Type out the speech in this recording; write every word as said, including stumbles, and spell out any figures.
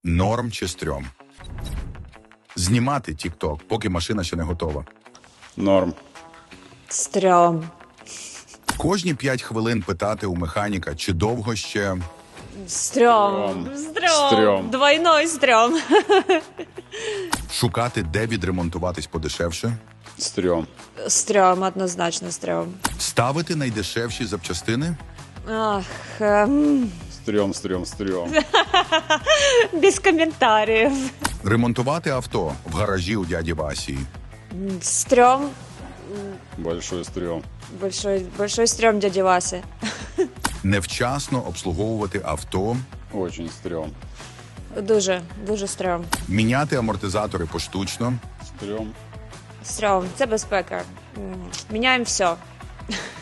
Норм чи стрьом? Знімати тік-ток, поки машина ще не готова. Норм. Стрьом. Кожні п'ять хвилин питати у механіка, чи довго ще... Стрьом. Стрьом. Стрьом. Стрьом. Двойной стрьом. Шукати, де відремонтуватись подешевше. Стрём. Стрьом, однозначно стрьом. Ставити найдешевші запчастини. Ах, ем, Стрём, стрём, стрём. без коментарів. Ремонтувати авто в гаражі у дяді Васі. Стрьом. Большой стрём. Большой, большой стрьом дяді Васи. Невчасно обслуговувати авто. Очень стрём. Дуже, дуже стрьом. Міняти амортизатори поштучно. Стрём. Стрьом. Це безпека. М, Міняємо все.